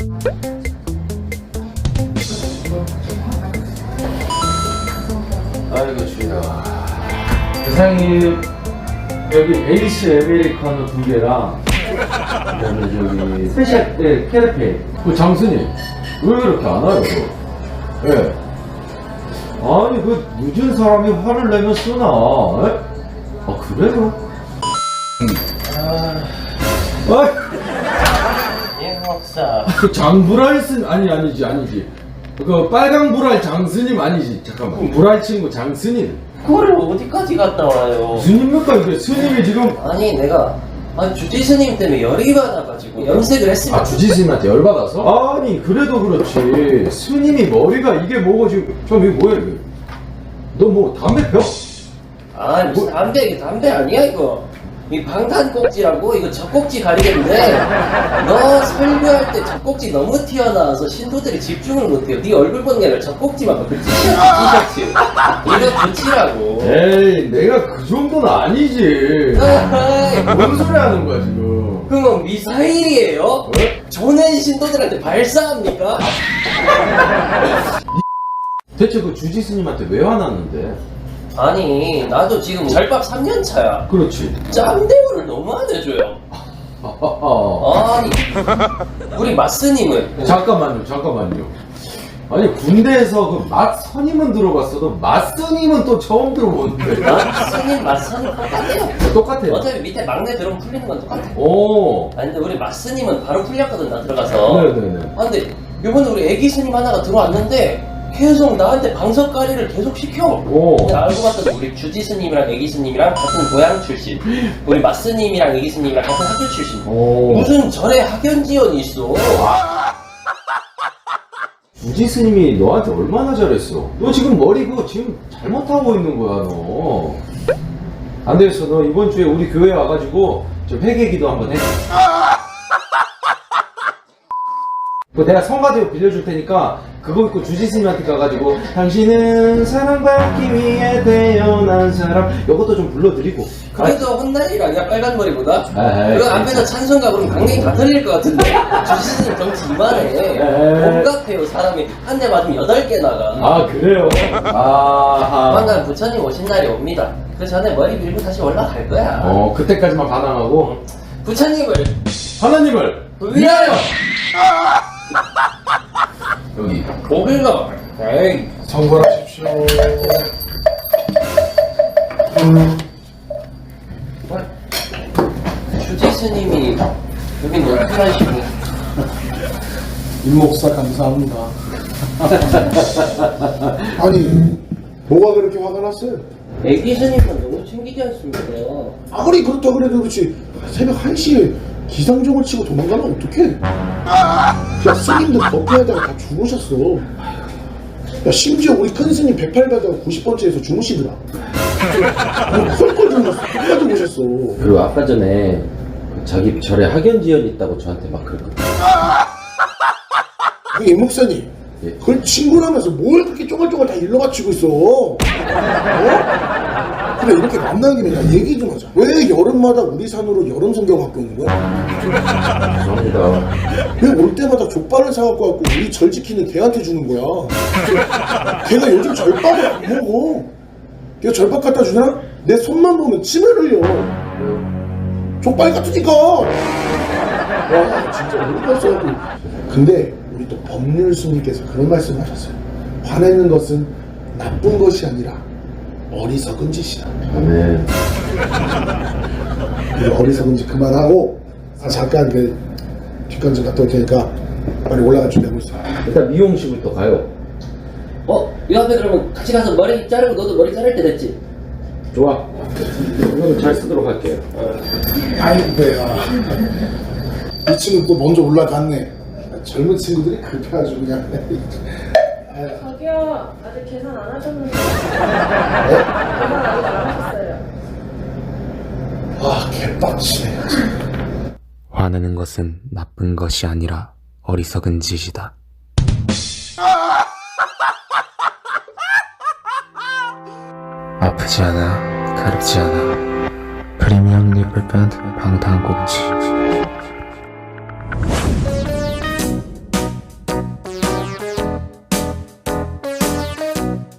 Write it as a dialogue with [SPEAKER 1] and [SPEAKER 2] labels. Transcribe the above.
[SPEAKER 1] 아이고 주야. 사장님 여기 에이스 아메리카노 2개랑 그다음에 저기 스페셜 캐러페. 그 장스님 왜 그렇게 안 와요? 예. 네. 아니 그 늦은 사람이 화를 내면 쓰나? 에? 아 그래요?
[SPEAKER 2] 예, 목사.
[SPEAKER 1] 그 장불알 아니지. 그 빨강 불알 장스님 아니지. 잠깐만. 불알 친구 장스님.
[SPEAKER 2] 그걸 어디까지 갔다 와요?
[SPEAKER 1] 무슨 일입니까 이게? 스님이 지금
[SPEAKER 2] 아니 내가 주지 스님 때문에 열이 받아가지고 염색을 했으면
[SPEAKER 1] 주지 스님한테 열받아서? 아니 그래도 그렇지. 스님이 머리가 이게 뭐고 지금 이게 뭐야 이게? 너 뭐 담배 펴?
[SPEAKER 2] 아니 무슨 담배 아니야 이거. 이 방탄 꼭지라고 이거 젖꼭지 가리겠는데 너 설교할 때 젖꼭지 너무 튀어나와서 신도들이 집중을 못해요. 네 얼굴 보는 게 아니라 젖꼭지만 봐. 그 티셔츠 이거 붙이라고.
[SPEAKER 1] 에이 내가 그 정도는 아니지. 뭔 소리 하는 거야 지금?
[SPEAKER 2] 그럼 미사일이에요? 조낸 신도들한테 발사합니까?
[SPEAKER 1] 대체 그 주지 스님한테 왜 화났는데?
[SPEAKER 2] 아니 나도 지금 절밥 3년 차야.
[SPEAKER 1] 그렇지.
[SPEAKER 2] 짬대우를 너무 안 해줘요. 아니 우리 마스님은
[SPEAKER 1] 잠깐만요. 아니 군대에서 그 맛선임은 들어봤어도 맛선임은 또 처음 들어보는데.
[SPEAKER 2] 마스님 마스님 똑같아요.
[SPEAKER 1] 똑같아요.
[SPEAKER 2] 어차피 밑에 막내 들어오면 풀리는 건 똑같아.
[SPEAKER 1] 오.
[SPEAKER 2] 아니 근데 우리 마스님은 바로 풀렸거든 나 들어가서.
[SPEAKER 1] 네네네.
[SPEAKER 2] 아 근데 요번에 우리 애기 스님 하나가 들어왔는데 계속 나한테 방석가리를 계속 시켜.
[SPEAKER 1] 오.
[SPEAKER 2] 근데 알고 봤더니 우리 주지 스님이랑 애기 스님이랑 같은 고향 출신, 우리 마스님이랑 애기 스님이랑 같은 학교 출신.
[SPEAKER 1] 오.
[SPEAKER 2] 무슨 절에 학연 지연이 있어.
[SPEAKER 1] 주지 스님이 너한테 얼마나 잘했어? 너 지금 머리 그거 지금 잘못하고 있는 거야 너. 안 되겠어. 너 이번 주에 우리 교회 와가지고 저 회개기도 한번 해. 그 내가 성가대로 빌려줄 테니까 그거 입고 주지 스님한테 가가지고 당신은 사랑받기 위해 태어난 사람 요것도 좀 불러드리고.
[SPEAKER 2] 그래도 혼날 일 아니야 빨간 머리보다.
[SPEAKER 1] 에이,
[SPEAKER 2] 그 앞에서 찬송가 부르면 강냉이 다 틀릴 것 같은데. 주지 스님 덩치 이만해. 똑같아요 사람이. 한 대 맞으면 8개 나가.
[SPEAKER 1] 아 그래요? 아하.
[SPEAKER 2] 조만간 부처님 오신 날이 옵니다. 그 전에 머리 밀고 다시 올라갈 거야.
[SPEAKER 1] 그때까지만 반항하고
[SPEAKER 2] 부처님을
[SPEAKER 1] 하나님을
[SPEAKER 2] 위하여
[SPEAKER 1] 여기
[SPEAKER 2] 고글거. 에이.
[SPEAKER 1] 성불하십시오.
[SPEAKER 2] 주지 스님이 여기 어떻게 하시고?
[SPEAKER 3] 임목사 감사합니다. 아니 뭐가 그렇게 화가 났어요?
[SPEAKER 2] 애기 스님은 너무 챙기지 않습니까?
[SPEAKER 3] 아무리 그렇다 그래도 그렇지 새벽 1시에 기상종을 치고 도망가면 어떡해? 야 스님도 버텨하다가 다 주무셨어. 야 심지어 우리 큰 스님 108가다가 90번째에서 주무시더라. 헐걸 주무셨어. 끝까지 오셨어.
[SPEAKER 1] 그리고 아까 전에 자기 절에 학연지연이 있다고 저한테 막 그랬거든요.
[SPEAKER 3] 그 임목사님
[SPEAKER 1] 예.
[SPEAKER 3] 그걸 친구라면서 뭘 그렇게 쪼글쪼글 다 일러 바치고 있어? 어? 그래 이렇게 만나는 김에 나 얘기 좀 하자. 왜 여름마다 우리 산으로 여름 성경 갖고 오는 거야?
[SPEAKER 1] 죄송합니다.
[SPEAKER 3] 왜 올 때마다 족발을 사갖고 왔고 우리 절 지키는 걔한테 주는 거야? 걔가 요즘 절밥을 안 먹어. 걔가 절밥 갖다 주잖아? 내 손만 보면 침을 흘려. 족발 같으니까. 와 진짜 어이가 없어갖고. 근데 우리 또 법률 스님께서 그런 말씀을 하셨어요. 화내는 것은 나쁜 것이 아니라 어리석은 짓이다.
[SPEAKER 1] 네.
[SPEAKER 3] 그 어리석은 짓 그만하고 잠깐 그 뒷간 좀 갔다 올 테니까 빨리 올라가 준비하고 있어.
[SPEAKER 1] 일단 미용실부터 가요.
[SPEAKER 2] 이 앞에 그러면 같이 가서 머리 자르고 너도 머리 자를 때 됐지?
[SPEAKER 1] 좋아. 이거는 잘 쓰도록 할게요.
[SPEAKER 3] 아이고 배야. 이 친구 또 먼저 올라갔네. 젊은 친구들이 그렇게 아주 그냥.
[SPEAKER 4] 저기요, 아직 계산 안 하셨는데. 계산 아직 안 하셨어요.
[SPEAKER 3] 아 개빡치네.
[SPEAKER 5] 화내는 것은 나쁜 것이 아니라 어리석은 짓이다. 아프지 않아, 가렵지 않아. 프리미엄 리플 밴드 방탄꼭지.